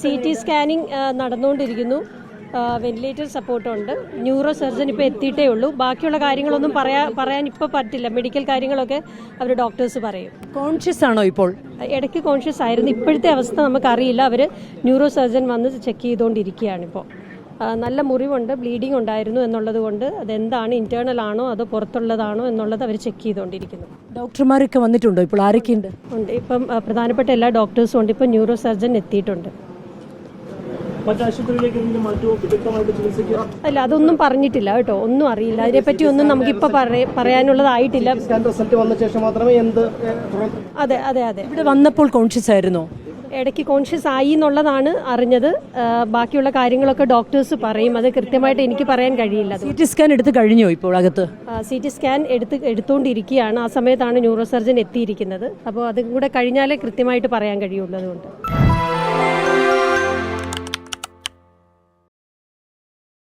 CT scanning നടന്നുകൊണ്ടിരിക്കുന്നു. Ventilator സപ്പോർട്ടുണ്ട്. Neuro surgeon ഇപ്പോൾ എത്തിയിട്ടേ ഉള്ളൂ. ബാക്കിയുള്ള കാര്യങ്ങളൊന്നും പറയാൻ ഇപ്പോൾ പറ്റില്ല. മെഡിക്കൽ കാര്യങ്ങളൊക്കെ അവർ ഡോക്ടേഴ്സ് പറയും. കോൺഷ്യസ് ആണോ ഇപ്പോൾ? ഇടയ്ക്ക് കോൺഷ്യസ് ആയിരുന്നു. ഇപ്പോഴത്തെ അവസ്ഥ നമുക്കറിയില്ല. അവർ ന്യൂറോ സർജൻ വന്ന് ചെക്ക് ചെയ്തുകൊണ്ടിരിക്കുകയാണ് ഇപ്പോൾ. നല്ല മുറിവുണ്ട്, ബ്ലീഡിംഗ് ഉണ്ടായിരുന്നു എന്നുള്ളത് കൊണ്ട് അതെന്താണ്, ഇന്റേണൽ ആണോ അതോ പുറത്തുള്ളതാണോ എന്നുള്ളത് അവർ ചെക്ക് ചെയ്തുകൊണ്ടിരിക്കുന്നു. ഡോക്ടർമാരൊക്കെ വന്നിട്ടുണ്ടോ ഇപ്പോൾ? ആരൊക്കെയുണ്ട്? ഉണ്ട്. ഇപ്പം പ്രധാനപ്പെട്ട എല്ലാ ഡോക്ടേഴ്സും ഉണ്ട്. ഇപ്പം ന്യൂറോ സർജൻ എത്തിയിട്ടുണ്ട്. അല്ല, അതൊന്നും പറഞ്ഞിട്ടില്ല കേട്ടോ, ഒന്നും അറിയില്ല. അതിനെപ്പറ്റി ഒന്നും നമുക്കിപ്പോൾ പറയാനുള്ളതായിട്ടില്ല. അതെ അതെ അതെ ഇവിടെ വന്നപ്പോൾ കോൺഷ്യസ് ആയിരുന്നോ? ഇടയ്ക്ക് കോൺഷ്യസ് ആയി എന്നുള്ളതാണ് അറിഞ്ഞത്. ബാക്കിയുള്ള കാര്യങ്ങളൊക്കെ ഡോക്ടേഴ്സ് പറയും. അത് കൃത്യമായിട്ട് എനിക്ക് പറയാൻ കഴിയില്ല. CT സ്കാൻ എടുത്ത് കഴിഞ്ഞോ ഇപ്പോൾ അകത്ത്? CT സ്കാൻ എടുത്തുകൊണ്ടിരിക്കുകയാണ്. ആ സമയത്താണ് ന്യൂറോ സർജൻ എത്തിയിരിക്കുന്നത്. അപ്പോൾ അതും കൂടെ കഴിഞ്ഞാലേ കൃത്യമായിട്ട് പറയാൻ കഴിയുള്ളൂ. അതുകൊണ്ട്